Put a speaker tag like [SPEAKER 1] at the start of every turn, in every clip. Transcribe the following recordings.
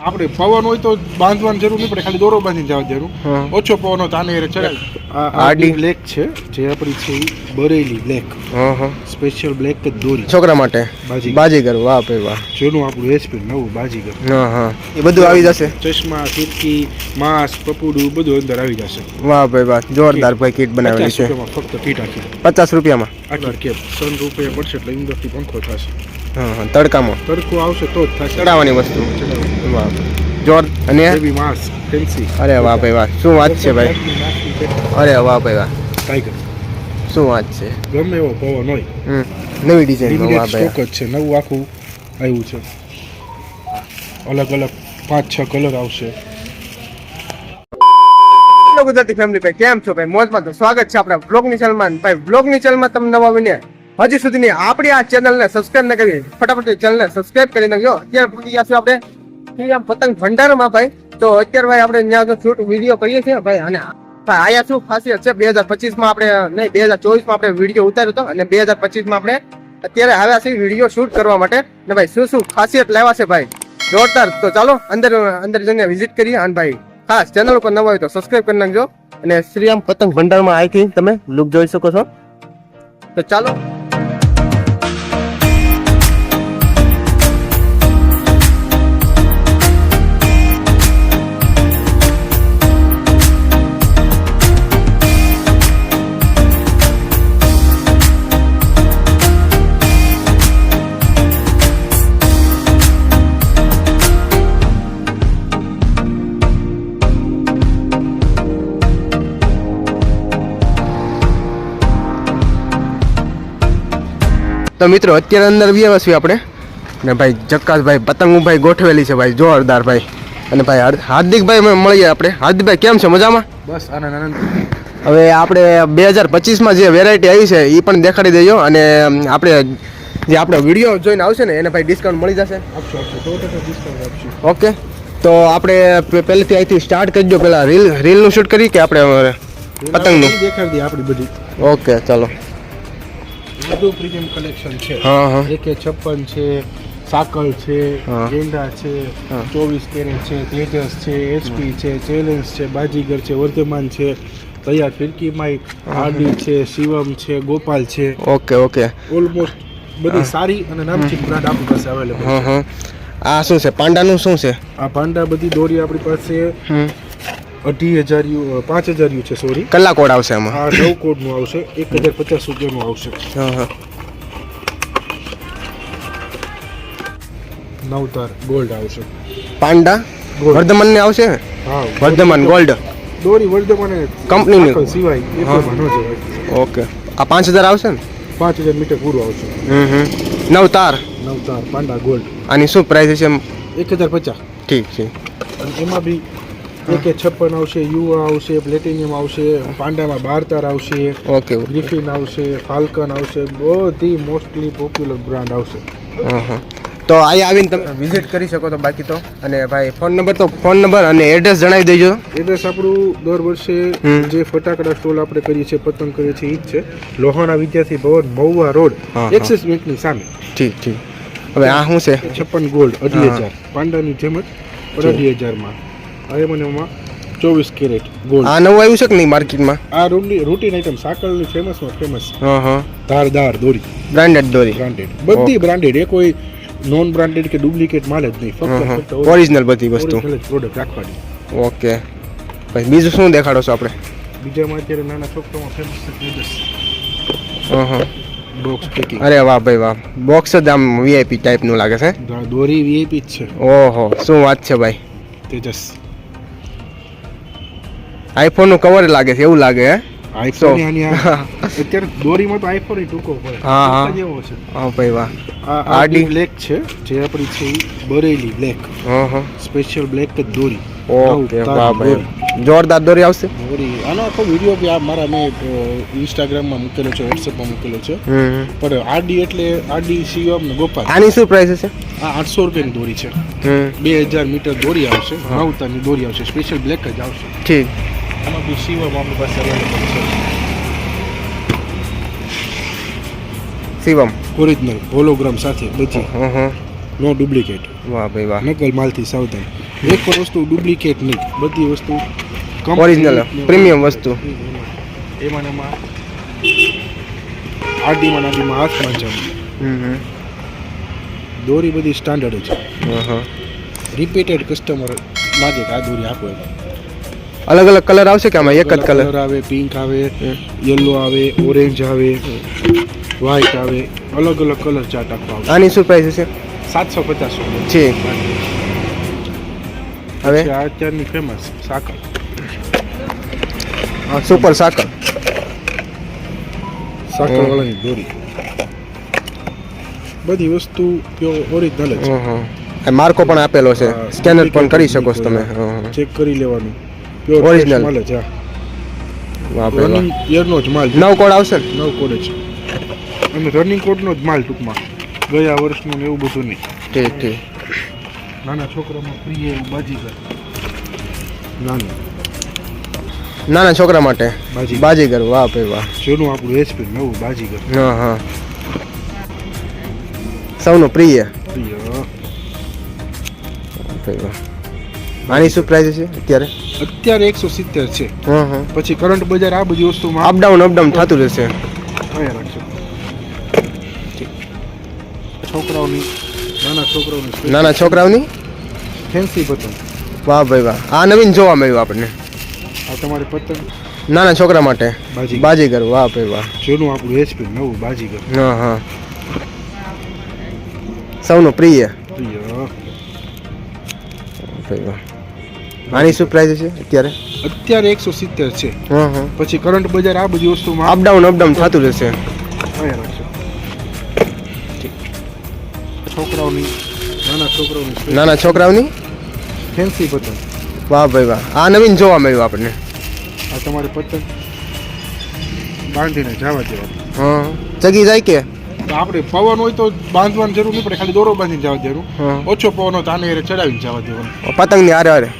[SPEAKER 1] આપણે પવન હોય તો બાંધવાની જરૂર નહીં પડે, ખાલી દોરો બાંધીને જવા દેવાનું. ઓછો પવન હોય તો આને ચડાવી. આડી બ્લેક છે જે આપણી છે બરેલી બ્લેક, સ્પેશિયલ બ્લેક જ દોરી
[SPEAKER 2] છોકરા માટે બાજીગર. વાહ ભાઈ વાહ,
[SPEAKER 1] જેનું આપણું એચપી નવું બાજીગર.
[SPEAKER 2] એ બધું આવી જશે.
[SPEAKER 1] ચશ્મા, ફિરકી, માસ્ક, પપુડું બધું અંદર આવી જશે.
[SPEAKER 2] વાહ ભાઈ વાહ, જોરદાર ભાઈ કીટ બનાવેલી છે.
[SPEAKER 1] ફક્ત કીટ આખી
[SPEAKER 2] 50 રૂપિયામાં.
[SPEAKER 1] આટલા કેપ સન રૂપિયા પડશે એટલે અંદરથી પંખો થશે.
[SPEAKER 2] તડકામાં
[SPEAKER 1] તડકો આવશે તો જ થશે.
[SPEAKER 2] ચડાવવાની વસ્તુ. વાહ જોર. અને
[SPEAKER 1] બેબી માસ્ક ફેન્સી.
[SPEAKER 2] અરે વાહ ભાઈ વાહ, શું વાત છે ભાઈ. અરે વાહ ભાઈ વાહ,
[SPEAKER 1] ટાઈગર.
[SPEAKER 2] શું વાત છે.
[SPEAKER 1] ગમે એવો પવન હોય.
[SPEAKER 2] નવી ડિઝાઇન. વાહ ભાઈ,
[SPEAKER 1] સ્ટોક જ છે, નવું આખું આવ્યું છે. અલગ અલગ 5-6 કલર આવશે.
[SPEAKER 2] ગુજરાતી ફેમિલી ભાઈ કેમ છો ભાઈ? મોજમાં. તો સ્વાગત છે આપણા બ્લોગની ચેનલમાં. ભાઈ બ્લોગની ચેનલમાં તમે નવા બને હજી સુધીની આપણી આ ચેનલને સબસ્ક્રાઇબ ન કરી ફટાફટ ચેનલને સબસ્ક્રાઇબ કરી નાખજો. અત્યારે પૂરી ગયા છે આપણે શ્રીરામ પતંગ ભંડારમાં ભાઈ. તો અત્યારે ભાઈ આપણે ત્યાં શૂટ વિડીયો કરીએ છીએ ભાઈ. અને આયા શું ખાસિયત છે, 2025 માં આપણે નહીં 2024 માં આપણે વિડીયો ઉતાર્યો હતો અને 2025 માં આપણે અત્યારે આવ્યા છીએ વિડીયો શૂટ કરવા માટે. ને ભાઈ શું શું ખાસિયત લાવ્યા છે ભાઈ જોરદાર. તો ચાલો અંદર જઈને વિઝિટ કરીએ. અને ભાઈ ખાસ ચેનલ ઉપર નવા હોય તો સબસ્ક્રાઇબ કરી નાખજો. અને શ્રીરામ પતંગ ભંડારમાં અહીંથી તમે લુક જોઈ શકો છો. તો ચાલો. તો મિત્રો અત્યારે અંદર આવ્યા છીએ આપણે. ને ભાઈ જક્કાસ ભાઈ પતંગ ભાઈ ગોઠવેલી છે ભાઈ જોરદાર ભાઈ. અને ભાઈ હાર્દિકભાઈ મળીએ આપણે. હાર્દિકભાઈ કેમ છે? મજામાં?
[SPEAKER 1] બસ આનંદ.
[SPEAKER 2] હવે આપણે 2025માં જે વેરાયટી આવી છે એ પણ દેખાડી દેજો. અને આપણે જે આપણો વિડીયો જોઈને આવશે ને એને ભાઈ ડિસ્કાઉન્ટ મળી જશે. ઓકે, તો આપણે પહેલેથી અહીંથી સ્ટાર્ટ કરજો. પહેલાં રીલનું શૂટ કરી કે આપણે પતંગનું
[SPEAKER 1] દેખાડી દઈએ આપણી બધી.
[SPEAKER 2] ઓકે ચાલો.
[SPEAKER 1] બધું પ્રીમિયમ કલેક્શન છે. AK56 છે, સાકલ છે, ગેંડા છે, 24 કેરેટ છે, તેજસ છે, HP છે, ચેલેન્જ છે, બાજીગર છે, વર્ધમાન છે, તૈયાર ફિરકી માઇક, આરડી છે, શિવમ છે, ગોપાલ છે.
[SPEAKER 2] ઓકે ઓકે,
[SPEAKER 1] ઓલમોસ્ટ બધી સારી અને નામચીન બ્રાન્ડ આપણી પાસે અવેલેબલ છે.
[SPEAKER 2] આ શું છે? પાંડાનું શું છે?
[SPEAKER 1] આ પાંડા બધી દોરી આપણી પાસે 2,500 5,000 છે. સોરી,
[SPEAKER 2] કલાક કોડ આવશે આમાં.
[SPEAKER 1] આ 9 કોડનું આવશે. 1,050 રૂપિયાનું આવશે. નવતાર ગોલ્ડ આવશે.
[SPEAKER 2] પાંડા વર્ધમાન ને આવશે.
[SPEAKER 1] હા,
[SPEAKER 2] વર્ધમાન ગોલ્ડ
[SPEAKER 1] દોરી વર્ધમાન
[SPEAKER 2] કંપનીની
[SPEAKER 1] સિવાય એ પણ ન જવાય.
[SPEAKER 2] ઓકે, આ 5,000 આવશે ને?
[SPEAKER 1] 5,000 મીટર પૂરું આવશે.
[SPEAKER 2] નવતાર
[SPEAKER 1] પાંડા ગોલ્ડ.
[SPEAKER 2] આની શું પ્રાઇસ છે?
[SPEAKER 1] 1,050.
[SPEAKER 2] ઠીક છે.
[SPEAKER 1] અને એમાં બી AK56 આવશે, યુવા આવશે, પ્લેટિનિયમ આવશે, પાંડામાં 12 તાર આવશે,
[SPEAKER 2] ઓકે,
[SPEAKER 1] ગ્રિફિન આવશે, ફાલ્કન આવશે. બધી મોસ્ટલી પોપ્યુલર બ્રાન્ડ આવશે.
[SPEAKER 2] તો અહીંયા આવીને તમે વિઝિટ કરી શકો તો. બાકી તો અને ભાઈ ફોન નંબર અને એડ્રેસ જણાવી દેજો.
[SPEAKER 1] એડ્રેસ આપણું દર વર્ષે જે ફટાકડા સ્ટોલ આપણે કરીએ છીએ, પતંગ કરીએ છીએ, એ જ છે. લોહાણા વિદ્યાર્થી ભવન, મહુવા રોડ, એક્સિસ બેંકની સામે.
[SPEAKER 2] ઠીક. હવે આ શું છે?
[SPEAKER 1] 56 ગોલ્ડ 2,500. પાંડાની જેમ જ 2,500 માં 24 કેરેટ ગોલ્ડ.
[SPEAKER 2] આ નવું આવ્યું છે કે નહીં માર્કેટમાં?
[SPEAKER 1] આ રૂટીન આઈટમ સાકલની ફેમસ. ધારદાર દોરી,
[SPEAKER 2] બ્રાન્ડેડ દોરી,
[SPEAKER 1] બધી બ્રાન્ડેડ. એ કોઈ નોન બ્રાન્ડેડ કે ડુપ્લિકેટ માલ જ નહીં, ફક્ત
[SPEAKER 2] ઓરિજિનલ બધી વસ્તુ
[SPEAKER 1] પ્રોડક્ટ રાખવાની.
[SPEAKER 2] ઓકે ભાઈ, બીજું શું દેખાડો છો આપણે?
[SPEAKER 1] બીજામાં અત્યારે નાના છોકરામાં ફેમસ છે તેજસ બોક્સ પેકિંગ.
[SPEAKER 2] અરે વાહ ભાઈ વાહ, બોક્સ જ આમ VIP ટાઈપનું લાગે છે.
[SPEAKER 1] દોરી VIP જ છે.
[SPEAKER 2] ઓહો, શું વાત છે ભાઈ.
[SPEAKER 1] તેજસ
[SPEAKER 2] આઈફોન નું કવર લાગે છે એવું લાગે. હે
[SPEAKER 1] આઈફોન અત્યારે દોરીમાં તો આઈફોન ટૂંકો પડે. જેવો છે.
[SPEAKER 2] હા ભાઈ વાહ.
[SPEAKER 1] આ આરડી બ્લેક છે જે આપણી છે બરેલી બ્લેક, સ્પેશિયલ બ્લેક જ દોરી.
[SPEAKER 2] ઓકે વાહ ભાઈ, જોરદાર દોરી આવશે.
[SPEAKER 1] આનો આખો વિડીયો બી આ મારા મેં ઇન્સ્ટાગ્રામમાં મૂકેલો છે, વોટ્સએપમાં મૂકેલો છે. પણ આરડી એટલે આરડી શિવમ ને ગોપાલ.
[SPEAKER 2] આની શું પ્રાઇસ છે?
[SPEAKER 1] આ 800 રૂપિયાની દોરી છે. 2,000 મીટર દોરી આવશે. 9 તારની દોરી આવશે. સ્પેશિયલ બ્લેક જ આવશે.
[SPEAKER 2] ઠીક.
[SPEAKER 1] આમાં બી શિવમ આપણી પાસે અવેલેબલ છે.
[SPEAKER 2] શિવમ
[SPEAKER 1] ઓરિજિનલ હોલોગ્રામ સાથે બધી, નો ડુપ્લિકેટ.
[SPEAKER 2] વાહ ભાઈ વાહ,
[SPEAKER 1] નકલ માલથી સાવધાન. એક પણ વસ્તુ ડુપ્લિકેટ નહીં, બધી વસ્તુ
[SPEAKER 2] Original, premium વસ્તુ.
[SPEAKER 1] એમાં ને એમાં આડીમાં હાથમાં છે. દોરી બધી સ્ટાન્ડર્ડ છે. રિપીટેડ કસ્ટમર લાગે કે આ દોરી આપો.
[SPEAKER 2] અલગ અલગ કલર આવશે કે આમાં એક જ કલર
[SPEAKER 1] આવે? પિંક આવે, યલો આવે, ઓરેન્જ આવે, વ્હાઈટ આવે, અલગ અલગ કલર ચાર્ટ આખો આવે.
[SPEAKER 2] આની શું પ્રાઇસ છે?
[SPEAKER 1] 750
[SPEAKER 2] છે. હવે
[SPEAKER 1] આ અત્યારની ફેમસ સાકર,
[SPEAKER 2] સુપર સાકર
[SPEAKER 1] વાળાની દોરી. બધી વસ્તુ ઓરિજિનલ જ છે.
[SPEAKER 2] માર્કો પણ આપેલો છે, સ્કેનર પણ કરી શકો છો તમે.
[SPEAKER 1] ચેક કરી લેવાનું.
[SPEAKER 2] Original.
[SPEAKER 1] માલ જ.
[SPEAKER 2] વાહ ભાઈ
[SPEAKER 1] રનિંગ યરનો જ માલ.
[SPEAKER 2] નવ કોડ આવશે ને?
[SPEAKER 1] 9 કોડ જ. અને રનિંગ કોડનો જ માલ ટૂંકમાં, ગયા વર્ષનું ને એવું બધું નહીં.
[SPEAKER 2] ઠીક ઠીક.
[SPEAKER 1] નાના છોકરામાં પ્રિય એવું બાજીગર.
[SPEAKER 2] નાના છોકરા માટે બાજીગર. વાહ ભાઈ વાહ.
[SPEAKER 1] જૂનું આપણું એચપી નવું બાજીગર.
[SPEAKER 2] હા સૌનું પ્રિય. આની શું પ્રાઇસ છે અત્યારે?
[SPEAKER 1] અત્યારે 170 છે. પછી કરંટ બજાર આ બધી વસ્તુમાં
[SPEAKER 2] અપડાઉન થતું રહેશે.
[SPEAKER 1] રાખજો. છોકરાઓની,
[SPEAKER 2] નાના છોકરાઓની
[SPEAKER 1] ફેન્સી પતંગ.
[SPEAKER 2] વાહ ભાઈ વાહ. આ નવીન જોવા મળ્યું આપણને.
[SPEAKER 1] આ તમારે પતંગ
[SPEAKER 2] નાના છોકરા માટે બાજીગર. વાહ ભાઈ વાહ.
[SPEAKER 1] જૂનું આપણું એચપી નવું બાજીગર.
[SPEAKER 2] સૌનું પ્રિય. આની શું પ્રાઇસ છે અત્યારે?
[SPEAKER 1] અત્યારે 170 છે. પછી કરંટ બજાર આ બધી વસ્તુમાં
[SPEAKER 2] અપડાઉન થતું રહેશે. નાના છોકરાઓની
[SPEAKER 1] ફેન્સી પતંગ.
[SPEAKER 2] વાહ ભાઈ વાહ. આ નવીન જોવા મળ્યું આપણને.
[SPEAKER 1] આ તમારે પતંગ બાંધીને જવા દેવાનું.
[SPEAKER 2] ચગી જાય કે?
[SPEAKER 1] આપણે પવન હોય તો બાંધવાની જરૂર નહીં પડે, ખાલી દોરો બાંધીને જવા દેવાનું. ઓછો પવન હોય તો આને ચડાવીને જવા દેવાનું.
[SPEAKER 2] પતંગની હારે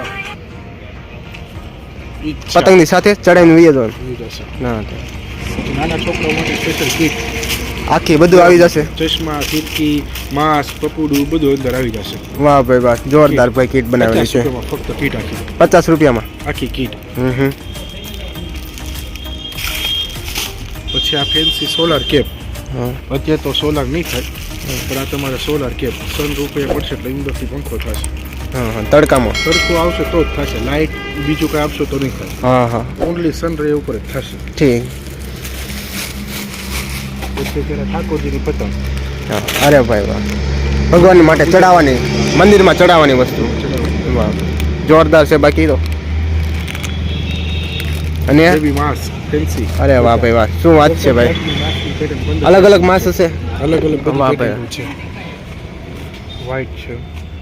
[SPEAKER 2] પતંગની સાથે ચડાવીને વીએ જવાનું.
[SPEAKER 1] નાના છોકરાઓ માટે સ્પેશિયલ કીટ
[SPEAKER 2] આખી બધું આવી જશે.
[SPEAKER 1] ચશ્મા, ફીટકી, માસ્ક, પપુડું બધું અંદર આવી જશે.
[SPEAKER 2] વાહ ભાઈ વાહ. જોરદાર ભાઈ કીટ બનાવેલી છે.
[SPEAKER 1] ફક્ત કીટ આખી
[SPEAKER 2] 50 રૂપિયામાં
[SPEAKER 1] આખી કીટ. પછી આ ફેન્સી સોલાર કેપ. અત્યારે તો સોલાર નહીં થાય, પણ આ તમારે સોલાર કેપ સન રૂપિયા પડશે એટલે અંદરથી પંખો થશે.
[SPEAKER 2] તડકામાં
[SPEAKER 1] તડકો આવશે તો જ થશે. લાઇટ બીજું કઈ આપશો તો નહીં થાય. ઓનલી સન રે ઉપર જ થશે.
[SPEAKER 2] ઠીક.
[SPEAKER 1] પછી પેલા ઠાકોરજીની પતંગ.
[SPEAKER 2] અરે ભાઈ વાહ. ભગવાન માટે ચડાવવાની, મંદિરમાં ચડાવવાની વસ્તુ. વાહ જોરદાર છે. બાકી તો અને
[SPEAKER 1] માસ્ક ફેન્સી.
[SPEAKER 2] અરે વાહ ભાઈ વાહ. શું વાત છે ભાઈ. અલગ અલગ માસ હશે.
[SPEAKER 1] અલગ અલગ
[SPEAKER 2] વાહ ભાઈ.
[SPEAKER 1] છે. વ્હાઈટ છે,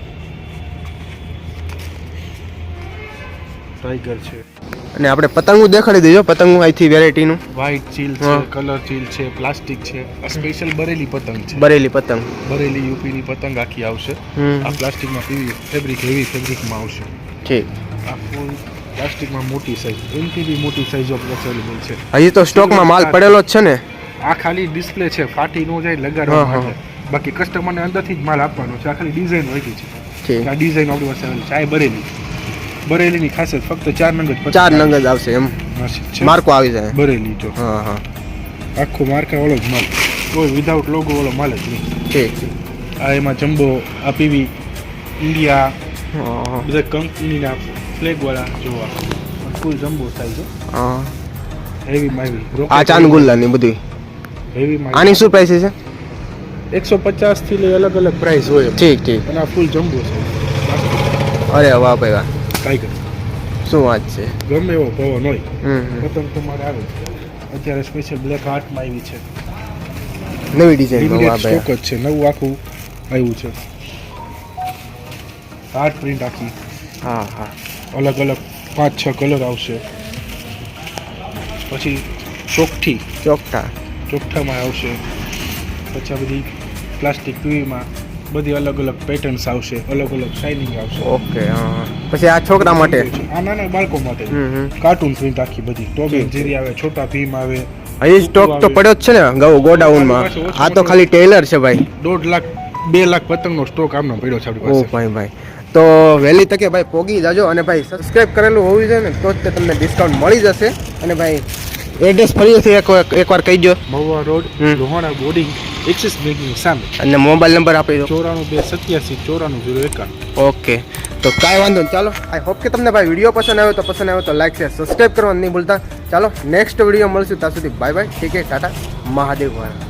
[SPEAKER 1] ટાઈગર છે.
[SPEAKER 2] અને આપણે પતંગો દેખાડી દેજો. પતંગો અહીંથી વેરાયટીનું
[SPEAKER 1] વ્હાઈટ ચીલ છે, કલર ચીલ છે, પ્લાસ્ટિક છે. આ સ્પેશિયલ બરેલી પતંગ છે.
[SPEAKER 2] બરેલી પતંગ.
[SPEAKER 1] બરેલી યુપીની પતંગ આખી આવશે. આ પ્લાસ્ટિકમાં પીવી ફેબ્રિક, હેવી ફેબ્રિકમાં આવશે.
[SPEAKER 2] ઠીક.
[SPEAKER 1] આ ફૂલ પ્લાસ્ટિકમાં મોટી સાઈઝ, એનથી બી મોટી સાઈઝ અવેલેબલ છે.
[SPEAKER 2] હજી તો સ્ટોકમાં માલ પડેલો જ છે ને?
[SPEAKER 1] આ ખાલી ડિસ્પ્લે છે, ફાટી ન જાય લગાડવા માટે. બાકી કસ્ટમરને અંદરથી જ માલ આપવાનો છે. આ ખાલી ડિઝાઇન હોય છે. આ ડિઝાઇન આપણી પાસે આવેલી છે. આ બરેલીની ખાસિયત ફક્ત 4 નંગ જ.
[SPEAKER 2] 4 નંગ જ આવશે એમ. માર્કો આવી જાય
[SPEAKER 1] બરેલી જો. આખો માર્કા વાળો જ માલ, કોઈ વિધાઉટ લોગો વાળો માલ જ નહીં.
[SPEAKER 2] ઠીક.
[SPEAKER 1] આ એમાં જમ્બો, આ પીવી ઇન્ડિયા, બધા કંપનીના ફ્લેગ વાળા જોવા ફૂલ જમ્બો સાઈઝ. હેવી માવી.
[SPEAKER 2] આ ચાંદગુલ્લાની બધી
[SPEAKER 1] હેવી માવી.
[SPEAKER 2] આની શું પ્રાઇસ છે?
[SPEAKER 1] 150 થી લઈ અલગ અલગ પ્રાઇસ હોય.
[SPEAKER 2] ઠીક ઠીક.
[SPEAKER 1] અને આ ફૂલ જમ્બો છે.
[SPEAKER 2] અરે વાહ ભાઈ વાહ.
[SPEAKER 1] ટાઈગર.
[SPEAKER 2] શું વાત છે.
[SPEAKER 1] ગમે એવો પવન હોય પતંગ તમારે આવે. અત્યારે સ્પેશિયલ બ્લેક હાર્ટમાં આવી છે,
[SPEAKER 2] નવી ડિઝાઇન. વાહ ભાઈ.
[SPEAKER 1] સ્ટોક જ છે, નવું આખું આવ્યું છે. હાર્ટ પ્રિન્ટ આખી. અલગ અલગ 5-6 કલર આવશે. પછી ચોકઠામાં આવશે. પછી આ બધી પ્લાસ્ટિક પીવીમાં બધી અલગ અલગ પેટર્ન્સ આવશે, અલગ અલગ શાઇનિંગ આવશે.
[SPEAKER 2] ઓકે. પછી આ છોકરા માટે,
[SPEAKER 1] આ નાના બાળકો માટે કાર્ટૂન પ્રિન્ટ આખી બધી. ટોમ એન્ડ જેરી આવે, છોટા ભીમ આવે.
[SPEAKER 2] હજી સ્ટોક તો પડ્યો જ છે ને ગોડાઉનમાં. આ તો ખાલી ટેલર છે ભાઈ.
[SPEAKER 1] 1.5 લાખ 2 લાખ પતંગનો સ્ટોક આમનો પડ્યો છે આપણી પાસે.
[SPEAKER 2] ઓ ભાઈ ભાઈ. તો વહેલી તકે ભાઈ પોગી જાજો અને ભાઈ સબસ્ક્રાઇબ કરેલું હોવું જોઈએ ને તો જ તે તમને ડિસ્કાઉન્ટ મળી જશે. અને ભાઈ એડ્રેસ ફરીથી એકવાર કહી દો.
[SPEAKER 1] Mahuva road, Lohana boarding, Axis બેંકની સામે.
[SPEAKER 2] અને મોબાઈલ નંબર આપી દો.
[SPEAKER 1] 94
[SPEAKER 2] ઓકે, તો કાંઈ વાંધો નહીં. ચાલો, આઈ હોપ કે તમને ભાઈ વિડીયો પસંદ આવ્યો તો લાઈક શેર સબસ્ક્રાઇબ કરવાનું નહીં ભૂલતા. ચાલો નેક્સ્ટ વિડીયો મળશું, ત્યાં સુધી બાય બાય, ઠીક છે, ટાટા, મહાદેવ વાળા.